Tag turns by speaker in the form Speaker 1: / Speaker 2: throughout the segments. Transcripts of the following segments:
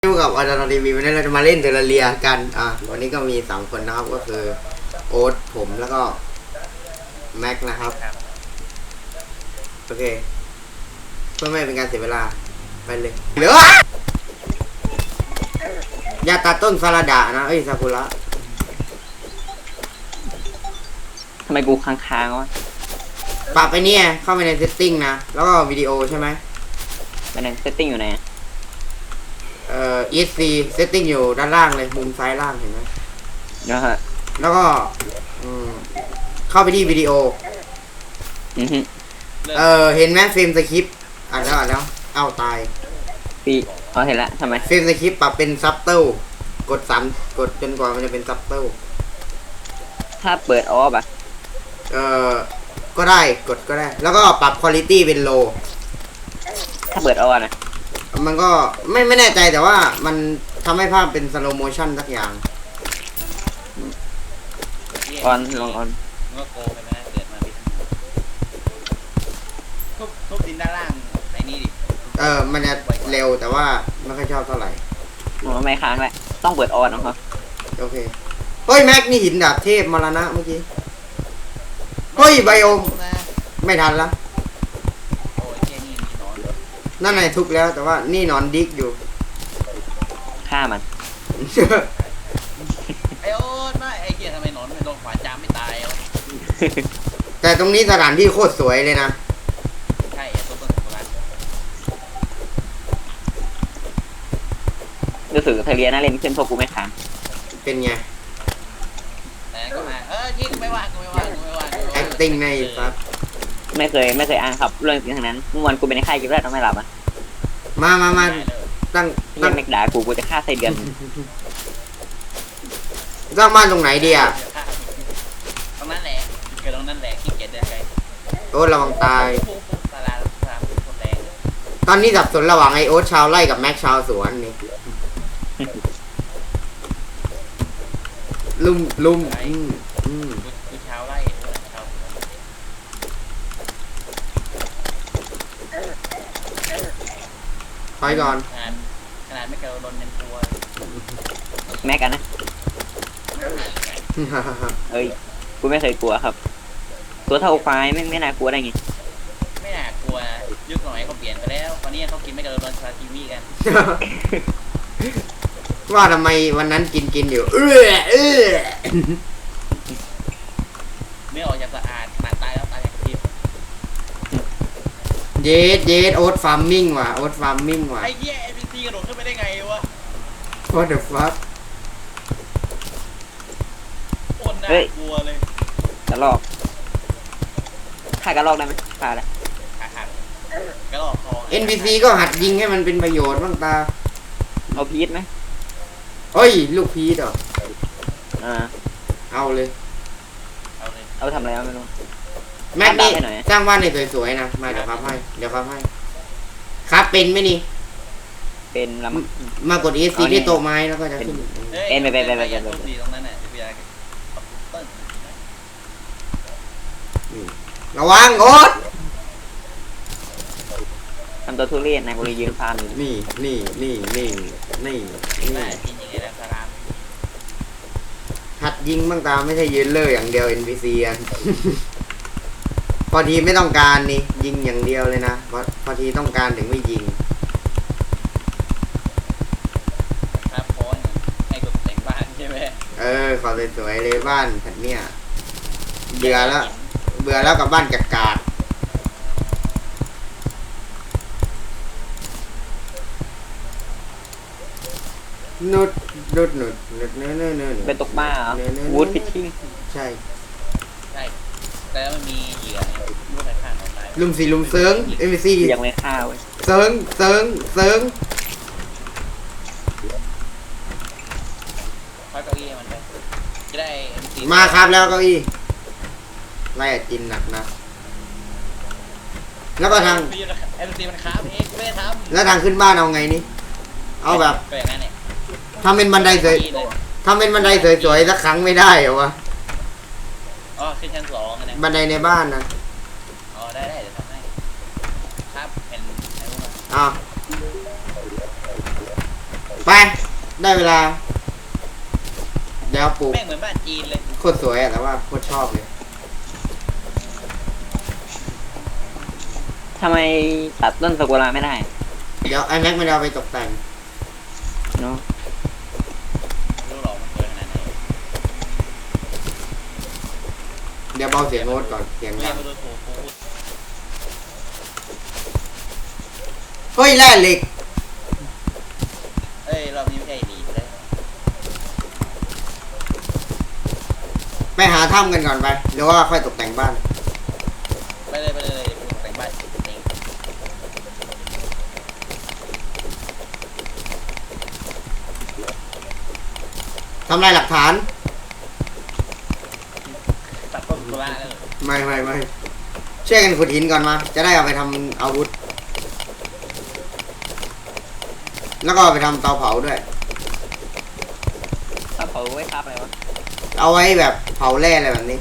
Speaker 1: อยู่กับอาจารย์ทีวีวันนี้เราจะมาเล่นเทอร์เรียกันวันนี้ก็มี3คนนะครับก็คือโอ๊ตผมแล้วก็แม็กนะครับโอเคเพื่อไม่เป็นการเสียเวลาไปเลยเหลือยาตัดต้นซาลาดะนะซากุระ
Speaker 2: ทำไมกูค้างๆวะ
Speaker 1: ปรับไปเนี่ยเข้าไปในเซตติ้งนะแล้วก็วิดีโอใช่ไหม
Speaker 2: ไปในเซตติ้งอยู่ไหน
Speaker 1: ESC เซตติ้งอยู่ด้านล่างเลยมุมซ้ายล่างเห็นไหม
Speaker 2: นะฮะ
Speaker 1: แล้วก็เข้าไปที่วิดีโอเห็นไหมเฟรมสคริปต์อ่านแล้วเอาตาย
Speaker 2: ปีเห็นละทำไม
Speaker 1: เฟรมสคริปต์ปรับเป็นซับเติลกด3กดจนกว่ามันจะเป็นซับเติล
Speaker 2: ถ้าเปิดออฟ
Speaker 1: ก็ได้กดก็ได้แล้วก็ปรับคุณภาพเป็นโล
Speaker 2: ถ้าเปิดออนะ
Speaker 1: มันก็ไม่แน่ใจแต่ว่ามันทำให้ภาพเป็นสโลโมชั่นสักอย่าง
Speaker 2: ออนลองออน
Speaker 3: ก็โกไปนะเกิดมาพิษทุบดินด้านล่างในนี้ดิ
Speaker 1: มันจะเร็วแต่ว่าไม่ค่อยชอบเท่าไหร่
Speaker 2: ไม่ค้างแหละต้องเปิดออนนะครับ
Speaker 1: โอเคเฮ้ยแม็กนี่หินดาบเทพมรณะเมื่อกี้เฮ้ยไบโอมไม่ทันละนั่นไงทุกแล้วแต่ว่านี่นอนดิกอยู่
Speaker 2: ฆ่ามัน
Speaker 3: ไอโอ๊ตไม่ไอเกียทำไมนอนไม่โดนขวานจามไม่ตายวะ
Speaker 1: แต่ตรงนี้สถานที่โคตรสวยเลยนะ
Speaker 3: ใช่ต้นโบราณ
Speaker 2: รู้สึกเทเรียน่าเล่นขึ้นพวกกูไม่ค้าง
Speaker 1: เป็นไง
Speaker 3: แต่ก็มายิงไม่ว่ากูไม่ว่า
Speaker 1: acting ในซับ
Speaker 2: ไม่เคยอ่านครับเรื่องจริงทั้งนั้นเมื่อวันกูเป็นในค่ายกิฟต์แรกทำไมหลับอ่ะ
Speaker 1: มาตั้ง
Speaker 2: เม็กด่ากูจะฆ่าไส้เดือน
Speaker 1: สร้างบ้านตรงไหนดีอ่ะ
Speaker 3: ตรงนั้นแหละเกิดตรงนั้นแหละขี้เกียจเดินไกล
Speaker 1: โอ๊ตระวังตายตอนนี้สับสนระหว่างไอโอ๊ตชาวไร่กับแม็กชาวสวนนี่ลุม
Speaker 3: ชาวไร่
Speaker 1: ไปก่อน
Speaker 3: ขนาดไม่เกินโดนเป็นตัว
Speaker 2: แม็กกันนะเอ้ยกูไม่เคยกลัวครับตัวเท่าควายไม่น่ากลัวได้ไง
Speaker 3: ไม่น่ากลัวยุคสมัยเขาเปลี่ยนไปแล้วตอนนี้เขากินไม่เกินโดนซาซิมิกัน
Speaker 1: ว่าทำไมวันนั้นกินอยู่
Speaker 3: ไม่ออกจากสะอาดขนาดตายแล้วตายอย่างทิพย์
Speaker 1: เยสโอ๊ตฟาร์มมิ่งว่ะโอ๊ตฟาร์มมิ่งว่ะ
Speaker 3: ไอ้เหี้ย NPC กระโดดขึ้นไปได้ไงวะ
Speaker 1: What the fuck
Speaker 3: โคตรน่ากลัวเลย
Speaker 2: กระลอกฆ่ากระลอกได้ไหมฆ่าได้
Speaker 3: กระลอกคอ
Speaker 1: NPC ก็หัดยิงให้มันเป็นประโยชน์บ้างตา
Speaker 2: เอาพีชไหม
Speaker 1: เฮ้ยลูกพีชเหรอเอาเลย
Speaker 2: เอาทำอะไรไม่รู้
Speaker 1: แม็กนี่สร้างบ้านในสวยๆนะมาเดี๋ยวครับให้ครับเป็นไหมนี่
Speaker 2: เป็นล
Speaker 1: ำมากด ESC ที่โต๊ะไม้แล้วก็จะขึ้น
Speaker 2: เป็นไป
Speaker 3: ตรงนั้นน่ะ
Speaker 1: ระวังโอ๊ต
Speaker 2: ทำตัวทุเรศนะกูเลยยืนฟาร์มอยู่
Speaker 1: นี่
Speaker 3: จริงๆแล้วสลาม
Speaker 1: หัดยิงบ้างตาไม่ใช่ยืนเล่ออย่างเดียว NPC อ่ะพอทีไม่ต้องการนี่ยิงอย่างเดียวเลยนะพอทีต้องการถึงไม่ยิง
Speaker 3: ครับพอนให้ตกแต่งบ้านใช่ไหม
Speaker 1: ขอสวยๆเลยบ้านแบบเนี้ยเบื่อแล้วกับบ้านกากนุด
Speaker 2: เป็นตกบ้าเหรอวูดฟิชชิ่ง
Speaker 1: ใช่
Speaker 3: แต่มันมีเหยื่อลูกข้างของตาย
Speaker 1: ลุมเซิงNPC
Speaker 2: ยังไม่ฆ่าเว้ย
Speaker 1: เซิง
Speaker 3: เก้าอี้มันไปจะได้
Speaker 1: มาครับแล้วเก้าอี้ไล่จินหนักนะแล้วก็ทาง
Speaker 3: NPCมันค้าเองไม่ได้ทำ
Speaker 1: แล้วทางขึ้นบ้านเอาไงนี่เอาแบบทำเป็นบันไดสวยสักครั้งไม่ได้เหรอวะ
Speaker 3: ขึ้นชั้น2นะ
Speaker 1: บันไดในบ้านนะ
Speaker 3: ได้เดี๋ยวทำให้ครับเป็น
Speaker 1: อ้าวไป ได้เวลา เดี๋ยวปลูก
Speaker 3: แม่งเหมือนบ้านจีนเลย
Speaker 1: โคตรสวยอะแต่ว่าโคตรชอบเลย
Speaker 2: ทำไมตัดต้นซากุระไม่ได้
Speaker 1: เดี๋ยวไอ้แม็กไม่ได้เอาไปตกแต่ง
Speaker 2: เนาะ
Speaker 3: รู้หรอกมันสวยขนาดไหน
Speaker 1: เดี๋ยวเบาเสียงโน้ตก่อนเสียง
Speaker 3: เรี
Speaker 1: ดั
Speaker 3: ยก
Speaker 1: ง
Speaker 3: มาดูถูกกู
Speaker 1: เฮ้ยแร่เหล็ก
Speaker 3: เอ้ยรอบนี้ไม่ใช่ดีเลย
Speaker 1: ไปหาถ้ำกันก่อนไปเดี๋ยวว่าค่อยตกแต่งบ้าน
Speaker 3: ไปเลยเดี๋ยวกูแต่งบ้านเอง
Speaker 1: ทำลายหลักฐาน
Speaker 3: ตัดต้นกุหลาบเลย
Speaker 1: ไม่ช่วยกันขุดหินก่อนมา จะได้เอาไปทำอาวุธ แล้วก็เอาไปทำเตาเผาด้วย
Speaker 2: ถ้าเผาไว้ครับอะไรวะ
Speaker 1: เอาไว้แบบเผาแร่อะไรแบบนี้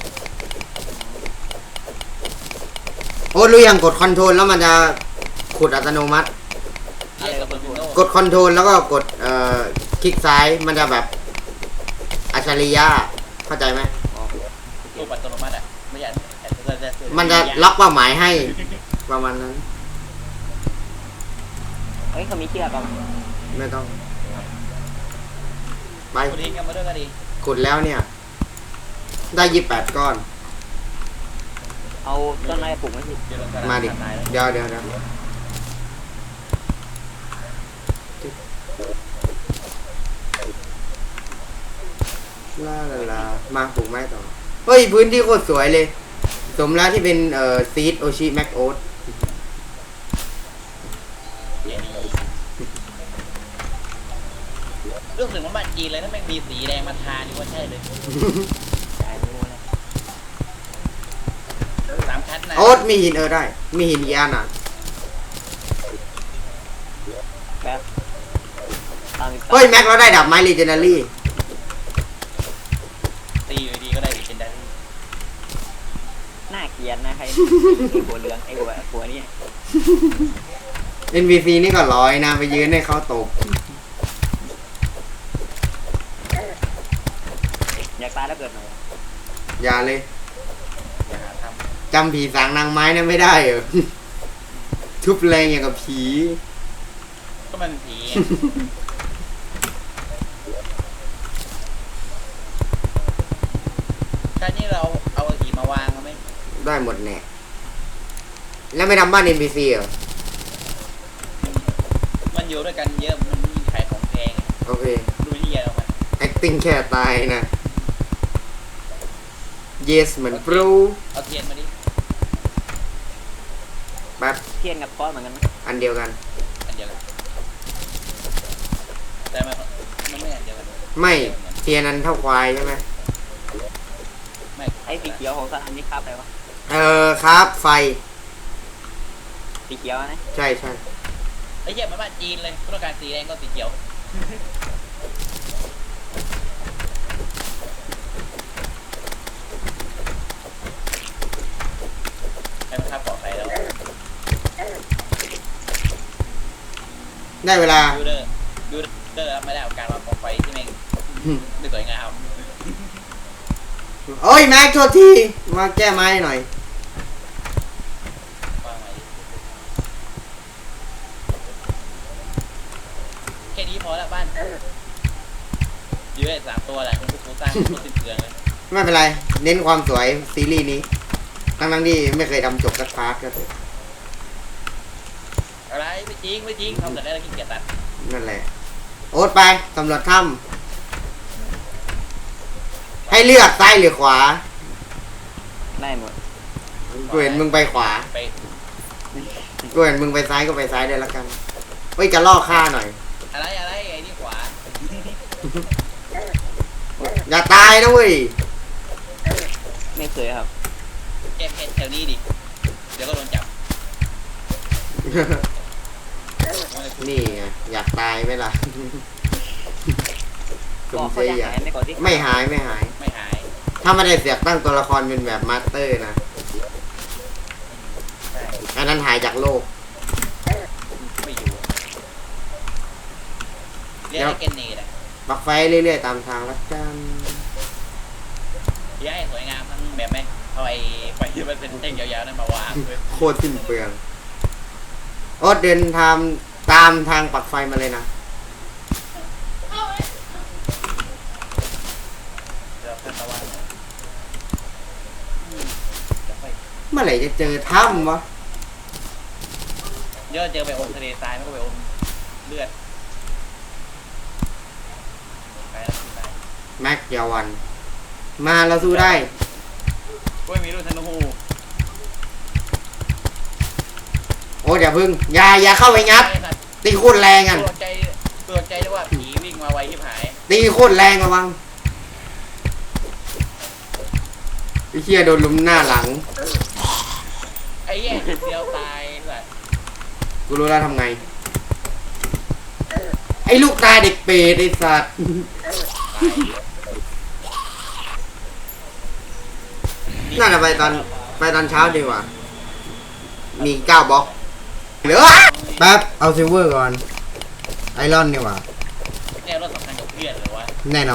Speaker 1: โอ้รู้ยังกดคอนโทรลแล้วมันจะขุดอัตโนมัติ
Speaker 3: เรียกกับเบอร์มิโน่
Speaker 1: กดคอนโทรลแล้วก็กดคลิกซ้ายมันจะแบบอัจฉริยะเข้าใจไหม
Speaker 3: ตู้ปัตโนมัติอ่ะไม่อยาก
Speaker 1: มันจะล็อกเป้าหมายให้ประมาณนั้น
Speaker 2: เฮ้ยเขามีเชือกป่ะ
Speaker 1: ไม่ต้อง ไป
Speaker 3: กูทิ้งกันมาด้วยก็ดี
Speaker 1: ขุดแล้วเนี่ย ได้28 ก้อน
Speaker 2: เอาต้นไม้ปลูกไว้สิ
Speaker 3: เดี๋ยวลงกระ
Speaker 1: มา
Speaker 3: ดาษ
Speaker 1: ดิ
Speaker 3: ตายแล้ว
Speaker 1: เดี๋ยวลามาปลูกไม้ต่อ เฮ้ย พื้นที่โคตรสวยเลย สมแล้วที่เป็นซีดโอชิแม็กโอ๊ต
Speaker 3: เรื่องถึงว่าบ้านจีนเลยนะแม่งมีสีแดงมาทานี่ว่าใช่เลยสามชั้นนะ
Speaker 1: โอ๊ตมีหินได้ มีหินกี่อันอ่ะ
Speaker 2: แป๊บตามอีก
Speaker 1: เฮ้ย แม็กเราได้ดับไม้ลีเจนารี่
Speaker 3: ตีอยู่ดีก็ได้เป็นได้
Speaker 2: หน้าเกลียดนะใคร ไอ้หัวเหลืองไอ้หัวนี่
Speaker 1: NPC นี่ก็ร้อยนะ ไปยืนให้เขาตบ
Speaker 2: อยากตายแล้วเกิดหน่อย
Speaker 1: อย่าเลย
Speaker 3: อย่าหาท
Speaker 1: จำผีสางนางไม้นั้นไม่ได้เหรอ ทุบแรงอย่างกับผี
Speaker 3: ำก็มันผีชาตินี้เราเอาหีมาวางเขาไหม
Speaker 1: ได้หมดแน่ แล้วไม่ทำบ้าน NPC เหรอ
Speaker 3: มันอยู่ด้วยกันเยอะมันมีขายของแพง
Speaker 1: โอเค
Speaker 3: ดูที่เยอะออกมา
Speaker 1: acting แค่ตายนะ yes เหมือนปรู
Speaker 3: เอาเทียนมาดิ
Speaker 1: แป๊บ
Speaker 2: เทียนกับก้อนเหมือนกันนะ
Speaker 1: อันเดียวกัน
Speaker 3: อันเดียวกันแต่มันไม่อันเดียวกัน
Speaker 1: ไม่เทียนนั้นเท่าควายใช่ไหม
Speaker 3: ไม่
Speaker 2: ไอ้สีเขียวของสถานนี้ครับอะไรวะ
Speaker 1: ครับไฟ
Speaker 2: สีเขียวนะ
Speaker 1: ใช่
Speaker 3: ไอ้เหี้ยมันบ้านจีนเลยต้องการสีแดงก็สีเขียวให้มันทับปลอดภัยแล้ว
Speaker 1: ได้เวลา
Speaker 3: ดูเดอร์รับไม่ได้กับการวางกองไฟที่แม่งไม่สวยงาม
Speaker 1: โอ้ยแม็กโทษที มาแก้ไม้หน่อย
Speaker 3: วางไว้แค่นี้พอแล้วบ้านยื้อ3 ตัวแหละคุณผู้ชมสร้างตัวสิ้นเปลืองเลย
Speaker 1: ไม่เป็นไร เน้นความสวยซีรีส์นี้ ทั้งที่ไม่เคยทำจบสักพาร์ทก็เถอะ
Speaker 3: อะไรไม่จริงทำแต่ได้แล้วขี้เกียจตัด
Speaker 1: นั่นแหละ โอ๊ตไปสำรวจถ้ำให้เลือกซ้ายหรือขวา
Speaker 2: ได้หมด
Speaker 1: กูเห็นมึงไปขวา
Speaker 3: ไป
Speaker 1: กูเห็นมึงไปซ้ายก็ไปซ้ายได้แล้วกัน เฮ้ย จะล่อฆ่าหน่อย
Speaker 3: อะไรไอ้นี่ขวา
Speaker 1: อย่าตายนะเว้ย
Speaker 2: ไม่เคยครับ
Speaker 3: แก้เพชรแถวนี้ดิเดี๋ยวก็โดนจับ
Speaker 1: นี่ไงอยากตายไหมล่ะ
Speaker 2: บอกเขาจะหายไม่ก่อนที่
Speaker 1: ไม่หาย
Speaker 3: ไม่หาย
Speaker 1: ถ้าไม่ได้เสียกตั้งตัวละครเป็นแบบมาสเตอร์นะ
Speaker 3: ใช่
Speaker 1: อันนั้นหายจากโลก
Speaker 3: ไม่อยู่เรียย้ายเกนเนตอ่ะ
Speaker 1: ปักไฟเรื่อยๆตามทางแล้วกัน
Speaker 3: ย้ายสวยงามทั้งแบบไหมเอาไอ้ไฟที่มันเป็นเส้นยาวๆนั่นมาวางเลย
Speaker 1: โคตรสิ้นเปลืองโอ๊ตเดินทางตามทางปักไฟมาเลยนะ
Speaker 3: เดี๋ยวตะวัน
Speaker 1: เมื่อไหร่จะเจอถ้ำวะ
Speaker 3: เยอะเจอไปอมทะเลทรายไม่ก็ไปอมเลือดไปแล้วไป
Speaker 1: แม็กยาวัน มาเราสู้ได้
Speaker 3: ก็มีรุ่นธนู
Speaker 1: โอ๊ตอย่าพึ่งอย่าเข้าไปงัดตีโคตรแรงอ่ะ
Speaker 3: ตัวใจด้วยว่าผีวิ่งมาไวที่หาย
Speaker 1: ตีโคตรแรงระวังไอ้เหี้ยโดนลุมหน้าหลัง
Speaker 3: ไอ้แย่เดียวตายแบบ
Speaker 1: กูรู้แล้วทำไง ไอ้ลูกตาเด็กเปรตไอ้สัตว์ น่าจะไปตอนเช้าดีกว่า มี9บล็อกเหลือแป๊บเอาซิลเวอร์ก่อน ไอรอนดีกว่า
Speaker 3: เนี่ยรถสำคัญกับเพื่อนหรือว่า
Speaker 1: แน่นอน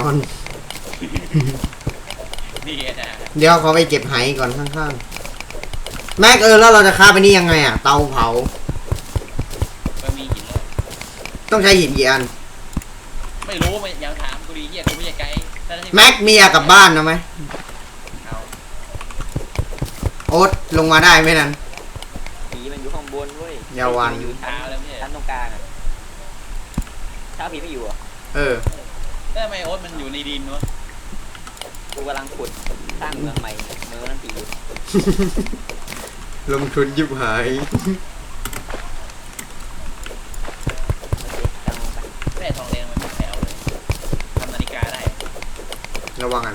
Speaker 3: นี่นะ
Speaker 1: เดี๋ยวขอไปเก็บไหก่อนข้างๆ แม็กแล้วเราจะฆ่าไปนี่ยังไงอ่ะ เตาเผา
Speaker 3: ก็มีหินเลย
Speaker 1: ต้องใช้หินกี่อัน
Speaker 3: ไม่รู้ไม่ยังถามกูดีเหี้ยกูไม่ใช่ไกด์
Speaker 1: แม็กมีอยากกลับบ้านนะไหม
Speaker 3: เอา
Speaker 1: โอ๊ตลงมาได้ไหมนั้น
Speaker 2: ผีมันอยู่ข้างบนเว้ย
Speaker 1: ยาวัน
Speaker 2: ผีมัอยู่
Speaker 3: เช้าแล้วไม่ใช่
Speaker 2: ชั้นตรงกลางอ่ะเช้าผีไม่อยู่อ่ะ
Speaker 1: เออ
Speaker 3: แล้วทำไมโอ๊ตมันอยู่ในดินวะ
Speaker 2: กูกำลังขุดสร้างเมืองใหม่เมืองนั้นผีอยู่
Speaker 1: ลงทุนยิบหาย
Speaker 2: โอเคกำลังลงไป
Speaker 3: แร่ทองแดงมันเป็นแถวเลยทำนาฬิกาได้
Speaker 1: ระวังกัน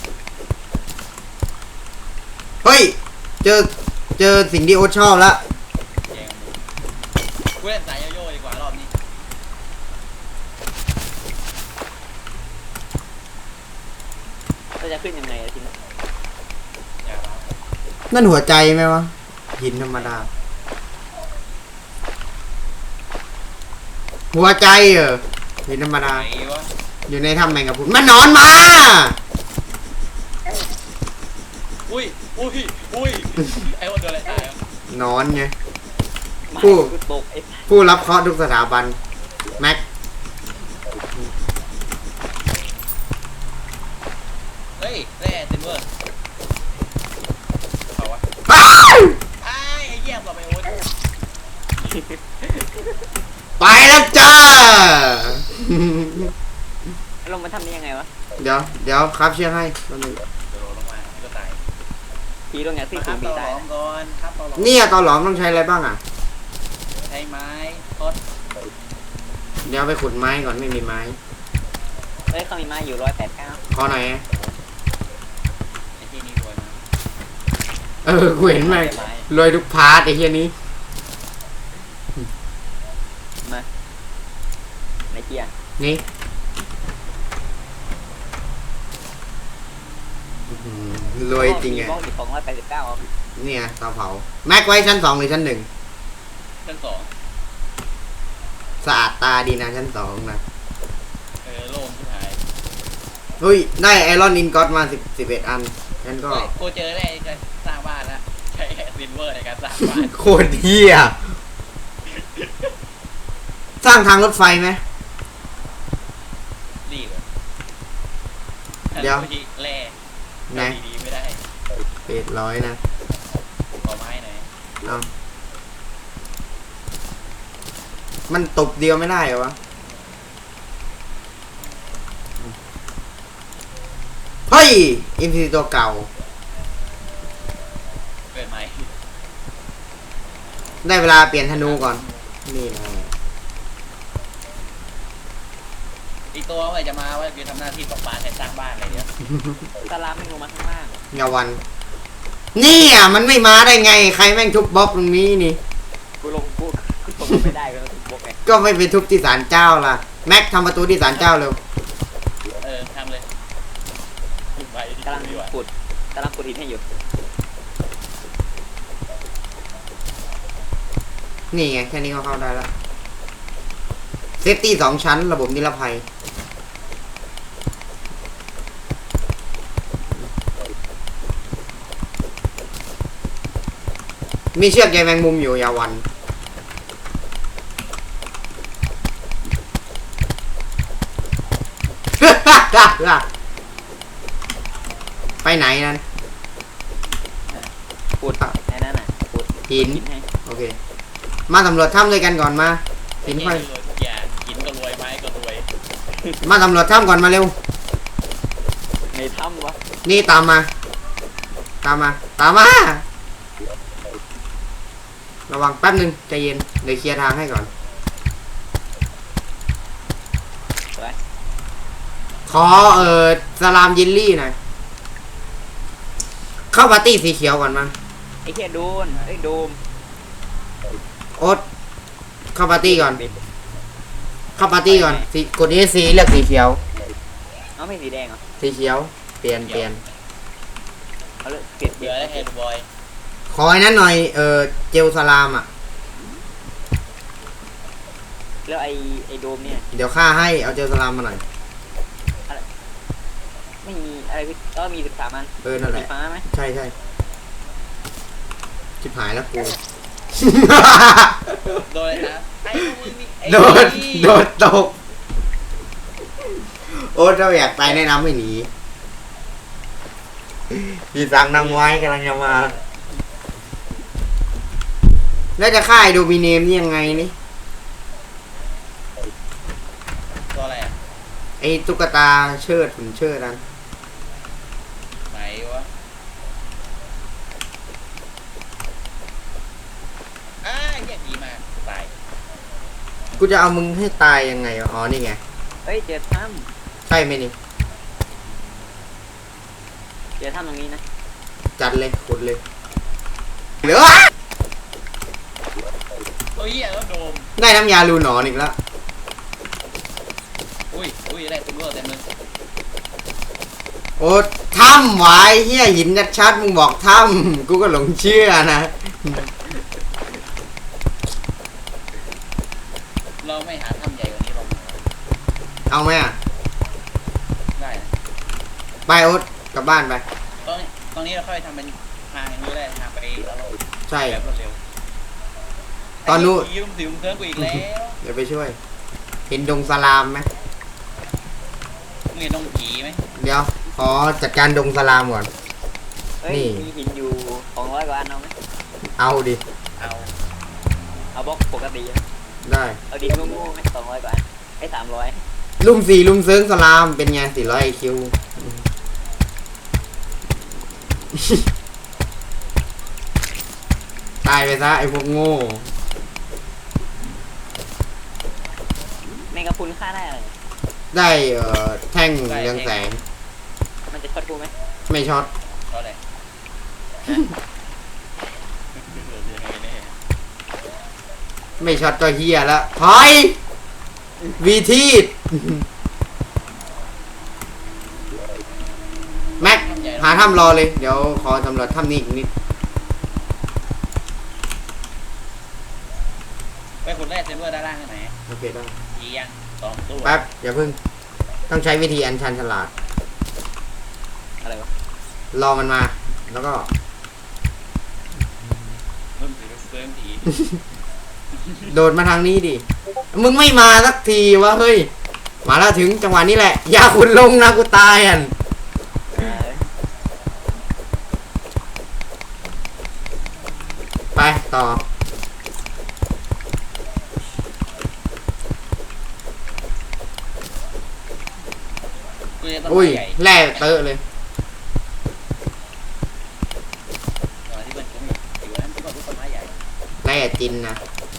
Speaker 1: เฮ้ย เจอสิ่งที่โอ๊ตชอบแล้ว
Speaker 3: แยงมือกูเล่นสายโยโย่ดีกว่ารอบนี้
Speaker 2: เราจะขึ้นยังไงอะทีนี้
Speaker 3: อย่ามา
Speaker 1: นั่นหัวใจไหมวะ หินธรรมดา หัวใจหินธรรมดา
Speaker 3: ไหนวะ
Speaker 1: อยู่ในถ้ำแมงกะพรุนมันนอนมา
Speaker 3: อุ้ยไอ้โอ๊ตโดนอะไรตายวะ
Speaker 1: นอนไง
Speaker 2: มา
Speaker 1: กู
Speaker 2: กูตกไอ้
Speaker 1: ผู้รับเคราะห์ทุกสถาบัน แม็ก
Speaker 3: เฮ้ยแร่ซิลเวอร์เอาวะ
Speaker 1: อ้าว
Speaker 3: ไอ้เหี้ยบอกไปโอ๊ต
Speaker 1: ไปแล้วจ้า
Speaker 2: ลงมาทำได้ยังไงวะ
Speaker 1: เดี๋ยวครับเชื่อให้แป๊บนึง
Speaker 3: โดดลงมาก็ตาย
Speaker 2: ผีลงอย่างที่
Speaker 3: มาค
Speaker 2: สู
Speaker 3: รับ
Speaker 2: งผี
Speaker 3: เตาหล
Speaker 2: ตาย
Speaker 3: อมก่อนครับเตาหลอม
Speaker 1: เนี่ยตอนหลอมต้องใช้อะไรบ้างอ่ะ
Speaker 3: ใช้ไม้ทด
Speaker 1: เดี๋ยวไปขุดไม้ก่อนไม่มีไม้
Speaker 2: เฮ้ยเขามีไม้อยู่189
Speaker 1: ขอหน่อย
Speaker 3: ไอ้ที่นี่รวยมาก
Speaker 1: กูเห็นไหมรวยทุกพาร์ทไอ้เฮียนี้
Speaker 2: มาในเกียร์
Speaker 1: นี่อื้อหือรวยจริงไง
Speaker 2: บล็อกอีก289อ่ะ
Speaker 1: เนี่ยเตาเผา แม็กไว้ชั้น 2 หรือชั้น
Speaker 3: ชั้นสอง
Speaker 1: 1 สะอาดตาดีนะชั้น 2 นะ
Speaker 3: โล่งที่หาย
Speaker 1: เฮ้ย ได้ไอรอนอินก็อตมา11 อันฉันก็
Speaker 3: เฮ้ยกูเจอแร่จะสร้างบ้านแล้วใช้ซิลเวอร์ในการสร้างบ้าน
Speaker 1: โคตรเฮียสร้างทางรถไฟไหม
Speaker 3: รีบอะ
Speaker 1: เดี๋ยว
Speaker 3: แร่
Speaker 1: ไหน
Speaker 3: ดีๆไม่ได้
Speaker 1: 800นะ
Speaker 3: ขอไม้หน่อย
Speaker 1: เอามันตบเดียวไม่ได้เหรอวะ เฮ้ย อินซีตัวเก่า
Speaker 3: เกิดใหม่
Speaker 1: ได้เวลาเปลี่ยนธนูก่อน นี่นะ
Speaker 3: อีกตัวเมื่อไหร่จะมาว่าจะทำหน้าที่ตกปลาแทนสร้างบ้านอะไรเงี้ย
Speaker 2: สลามไม่ลงมาข้างล่าง
Speaker 1: เงาวัน นี่อ่ะมันไม่มาได้ไง ใครแม่งทุบบล็อกตรงนี้นี่
Speaker 2: กูลงไม่ได้ก็ต้องบล็อกไง
Speaker 1: ก็ไม่ไปทุบที่ศาลเจ้าล่ะ แม็กทำประตูที่ศาลเจ้าเร็ว
Speaker 3: ทำเลยไป
Speaker 2: กำลังขุดหินให้อยู่
Speaker 1: นี่ไง แค่นี้ก็เข้าได้แล้ว เสฟตี้สองชั้น ระบบนิรภัย มีเชือกใยแมงมุมอยู่อยาวัน ไปไหนนั่น
Speaker 2: พูดไอ้นั่นน่ะพูด
Speaker 1: หิน
Speaker 2: คิดให้
Speaker 1: โอเค มาสำรวจถ้ำด้วยกันก่อนมาหิน
Speaker 3: ไอ้
Speaker 1: ค่อย
Speaker 3: เหี้ยรวยทุกอย่างกินก็รวยไม้ก็รวย
Speaker 1: มาสำรวจถ้ำก่อนมาเร็ว
Speaker 2: ในถ้ำวะ
Speaker 1: นี่ตามมา ตามมา ตามมา ระวังแป๊บนึงใจเย็น เดี๋ยวเคลียร์ทางให้ก่อน
Speaker 2: ไป
Speaker 1: ขอสลามยินลี่หน่อย เข้าปาร์ตี้สีเขียวก่อนมา
Speaker 2: ไอ้แค่โดนไอ้โดม
Speaker 1: โอ๊ตเข้าปาร์ตี้ก่อน เข้าปาร์ตี้ก่อนสีกดนี้สีเลือกสีเขียว
Speaker 2: เอาไม่สีแดงเหรอ
Speaker 1: สีเขียว เปลี่ยน
Speaker 2: เอาเลยเปลี่ยน
Speaker 3: เบื่อแล้วเฮดบอย
Speaker 1: ขอไอ้นั้นหน่อย เจลสลามอ่ะ
Speaker 2: แล้วไอ้โดมเนี่ย
Speaker 1: เดี๋ยวค่าให้ เอาเจลสลามมาหน่อย
Speaker 2: ไม่มีอะไรพี่มี13อัน
Speaker 1: นั่นแห
Speaker 2: สี
Speaker 1: ละ
Speaker 2: ฟ้าไหม
Speaker 1: ใช่ชิบหายแล้วกู
Speaker 3: โดนเลยนะไอ้พวกมึงนี่ไอ้
Speaker 1: โดดตก โอ๊ตเราอยากตายแนะนำให้หนีพี่สั่งนางไว้กำลังจะมา แล้วจะฆ่าไอ้โดมิเนมนี่ยังไงนี่
Speaker 3: ตัวอะไรอ่ะ
Speaker 1: ไอ้ตุ๊กตาเชิดหุ่นเชิดนั้น
Speaker 3: ไหนวะเหี้ยดีมากตาย
Speaker 1: กูจะเอามึงให้ตายยังไงวะอ๋อนี่ไง
Speaker 2: เฮ้ยเจอถ้
Speaker 1: ใช่ไหมนี่
Speaker 2: ำเจอถ้ำตรงนี้นะ
Speaker 1: จัดเลยขุดเลยเหลือ
Speaker 3: โอ้ยเหี้ยแล้วโดม
Speaker 1: ได้น้ำยาลูหนอนอีกแล้ว
Speaker 3: อุ้ยได้ตัวเลือกเต็มเลย
Speaker 1: โอ๊ตถ้ำไว้เฮียหินชัดๆมึงบอกถ้ำกูก็หลงเชื่อนะ
Speaker 3: เราไม่หาถ้ำใหญ่กว่านี้ลง
Speaker 1: เอาไหมอ่ะ
Speaker 3: ได้นะ
Speaker 1: ไปโอ๊ตกลับบ้านไป
Speaker 3: ตรงนี้เราค่อยทำเป็นทางอย่างนี้ได้ทางไปแล้วเรา
Speaker 1: ใช่
Speaker 3: แบบรวดเร็ว
Speaker 1: ตอนนู้น
Speaker 3: ไยืมสิวเพื่อนกูอีกแล้ว
Speaker 1: เดี๋ยวไปช่วย เห็นดงสลามไหม
Speaker 3: มึงเห็นน้องผีไหม
Speaker 1: เดี๋ยว ขอจัดการดงสลามก่อน
Speaker 2: เฮ้ย
Speaker 1: นี่
Speaker 2: มีหินอยู่200กว่าอันเอาไหม
Speaker 1: เอาดิ
Speaker 3: เอา
Speaker 2: เอาบล็อกปกติอะ
Speaker 1: ได้
Speaker 2: เอาดินโง่ๆไหม200กว่าอันไอ้300
Speaker 1: ลุ่มสี่ลุ่มเซิงสลามเป็นไง400 IQ ตายไปซะไอ้พวกโง่
Speaker 2: แมงกะพรุนฆ่าได้อะไร
Speaker 1: ได้แท่งเรืองแสง
Speaker 2: มันจะช็อตกูไหม
Speaker 1: ไม่ช็อต
Speaker 3: เพราะอะไร
Speaker 1: ไม่ช็อตก็เฮียแล้วถอย วีทีดแม็ก หาถ้ำรอเลย เดี๋ยวขอสำรวจถ้ำนี้อีกนิด
Speaker 3: ไปคนแรกเซมเวอร์ด้านล่างกันไหน
Speaker 1: โอเคได้
Speaker 3: ยียัง2 ตัว
Speaker 1: แป๊บ อย่าเพิ่ง ต้องใช้วิธีอัญชันฉลาด
Speaker 2: อะไรวะ
Speaker 1: รอมันมา แล้วก็
Speaker 3: เริ่มถือเริ่มผี
Speaker 1: โดดมาทางนี้ดิ มึงไม่มาสักทีวะเฮ้ย มาแล้วถึงจังหวะนี้แหละ อย่าขุนลงนะกูตายอ่ะ ไปต่อ
Speaker 3: กูจะต้น
Speaker 1: อุ้ย
Speaker 3: ไม้ใหญ่
Speaker 1: แร่เตอะเลย
Speaker 3: ที่เป็นกูอยู่นั้นทุกคนต้นไม้ใหญ่
Speaker 1: แร่จินนะ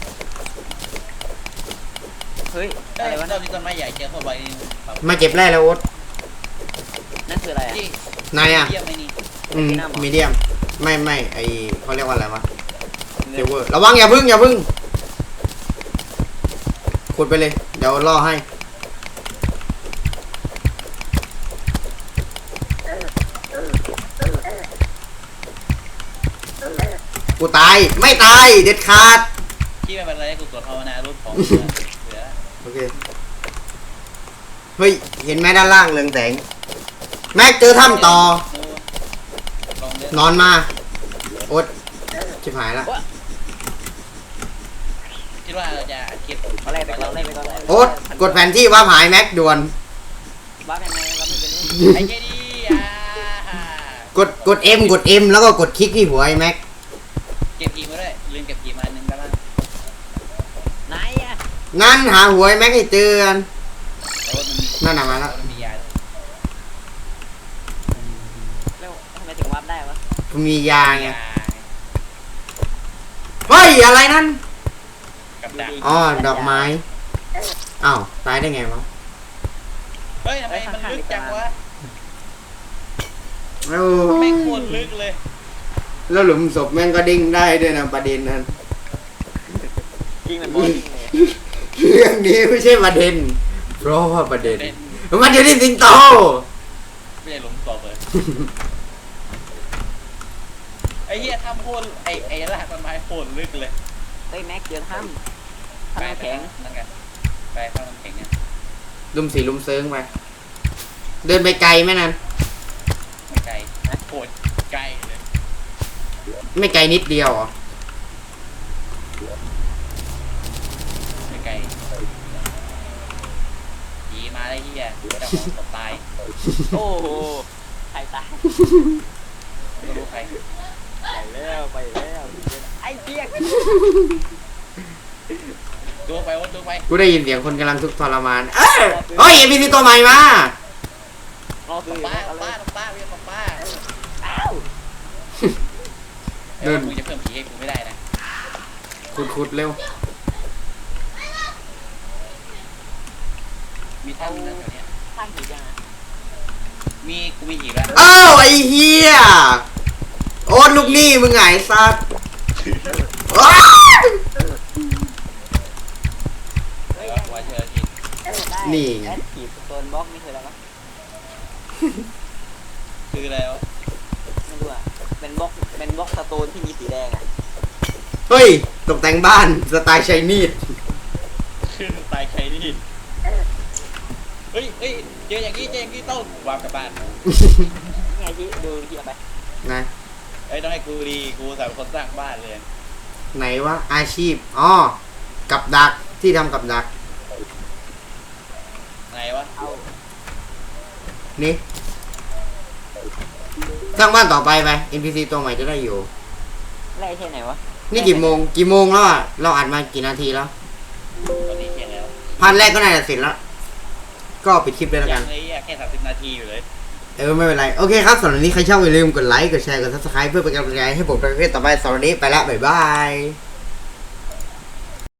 Speaker 2: เฮ้ย
Speaker 3: ได้
Speaker 2: อะไรวะ
Speaker 3: เราที่ต้นไม้ใหญ่เจอเข้าไป
Speaker 1: มาเก็บแร่แล้วโอ๊ต
Speaker 2: นั่นคืออะไรอ่ะ
Speaker 3: ที่
Speaker 1: นายอ่ะ
Speaker 3: เยี่ยมไหมนี่
Speaker 1: มีเดียม ไม่ไอเขาเรียกว่าอะไรวะเซเวอร์ ระวังอย่าพึ่งขุดไปเลย เดี๋ยวล่อให้ กูตาย ไม่ตาย เด็ดขาด
Speaker 3: ที่ไม่เป็นไรกูตรวจภาวนารูปของเหลือ
Speaker 1: โอเคเฮ้ย เห็นไหมด้านล่างเรืองแสง แม็กเจอถ้ำต่อ
Speaker 3: ลองเล่น
Speaker 1: นอนมา โอ๊ตชิบหายละ
Speaker 3: คิดว่าเราจะคิด
Speaker 2: เอาไล่ไปก่อนไล่ไปก่อน
Speaker 1: โอ๊ตกดแผนที่ว่าหายแม็กด่วน
Speaker 2: บ้ายังไงเราไม่เป็นนี่
Speaker 3: ไอ้เจดี
Speaker 1: กด M กด M แล้วก็กดคลิกที่หัวไอ้แม็ก
Speaker 3: เก็บกีมาด้วยลืมเก็บกีมาอันหนึงด้านล่าง
Speaker 2: ไหนอ่ะ
Speaker 1: งั้นหาหัวไอ้แม็กให้เจอกัน
Speaker 3: โอ้มันมี
Speaker 1: นั่นน่ะมาแล้ว
Speaker 3: มันมียา
Speaker 2: แล้วทำไมถึงวาร์ปได้วะ
Speaker 1: มียาไง เฮ้ย อะไรนั่น
Speaker 3: กับดัก
Speaker 1: อ๋อ ดอกไม้ อ้าว ตายได้ไงวะ
Speaker 3: เฮ้ยทำไมมันลึกจังวะ
Speaker 1: แล้ว
Speaker 3: แม่งโคตรลึกเลย
Speaker 1: แล้วหลุมศพแม่งก็ดิ้งได้ด้วยนะประเด็นนั้น
Speaker 2: จริงมันบอลจริงเลย
Speaker 1: เรื่องนี้ไม่ใช่ประเด็น เพราะว่าประเด็น มันอยู่ที่สิงโต
Speaker 3: ไม่ใช่หลุมศพเลยไอ้เหี้ยทำโคตรไอ้รากต้นไม้โคตรลึกเลย
Speaker 2: เฮ้ยแม็กเจอถ้ำถ้ำน้ำแข็ง
Speaker 3: นั่นกันไปข้างน้ำแข็งเนี่ย
Speaker 1: ลุมสีลุมเซิงไป เดินไปไกลไหมนั่น
Speaker 3: ไม่ไกลนะโคตรไกลเลย
Speaker 1: ไม่ไกลนิดเดียวเหรอ
Speaker 3: ไม่ไกลผีมาได้เหี้ยเจ้าของศพตาย
Speaker 2: โอ้โหใครตาย
Speaker 3: ไม่รู้ใคร
Speaker 2: ไปแล้วไอ้เจี๊ยก
Speaker 3: ดูไปว่าดูไป
Speaker 1: กูได้ยินเสียงคนกำลังทุกข์ทรมาน เฮ้ยเอ็มพีซีตัวใหม่มา
Speaker 2: รอคือ
Speaker 3: ป้า
Speaker 2: เอาเล
Speaker 3: ป้าย ป้าเรียกป้า
Speaker 2: อ้าว
Speaker 3: เดี๋ยวมึงจะเพิ่มผีให้กูไม่ได้นะ
Speaker 1: ขุดเร็ว
Speaker 3: มีท่ามีนั่นแถวเนี้ย
Speaker 2: สร้างหีบยังอ่ะ
Speaker 3: กูมีหีบแล้ว
Speaker 1: อ้าวไอ้เฮียโอ๊ตลูกหนี้มึงไงซัดอ้าว
Speaker 2: เฮ้ย
Speaker 3: หัวเธอหีบ
Speaker 1: นี่ไง
Speaker 2: แอดขีดโซนบล็อกนี่คืออะไรวะ
Speaker 3: คืออะไรวะ
Speaker 2: ไม่รู้อ่ะเป็นบล็อกสโตนที่มีสีแดงอ่ะ
Speaker 1: เฮ้ย ตกแต่งบ้านสไตล์ไชนีส
Speaker 3: คือตายใครนี่เฮ้ยเจออย่างนี้ต้องวางกลับบ้าน
Speaker 2: นี่ไงที่ดูที่เอาไป
Speaker 1: นะ
Speaker 3: ต้องให้กูดีกูสามคนสร้างบ้านเลย
Speaker 1: ไหนวะอาชีพ อ๋อ กับดักที่ทำกับดัก
Speaker 3: ไหนวะ
Speaker 2: เอา
Speaker 1: นี่สร้างบ้านต่อไปไป NPC ตัวใหม่จะได้อยู่
Speaker 2: ไล่เท่ไหนวะ
Speaker 1: นี่กี่โมงแล้วอ่ะ เราอัดมากี่นาทีแล้ว
Speaker 3: ตอนนี้เที่ยงแล้ว
Speaker 1: พันแรกก็น่าจะเสร็จแล้ว ก็ปิดคลิปเลยแล้ว
Speaker 3: ยั
Speaker 1: กัน
Speaker 3: งเลยแค่30 นาทีอยู่เลย
Speaker 1: ไม่เป็นไร โอเคครับสำหรับวันนี้ใครชอบอย่าลืมกดไลค์ กดแชร์ กด subscribe เพื่อเป็นกำลังใจให้ผมในคลิปต่อไปสำหรับวันนี้ไปแล้ว บ๊ายบาย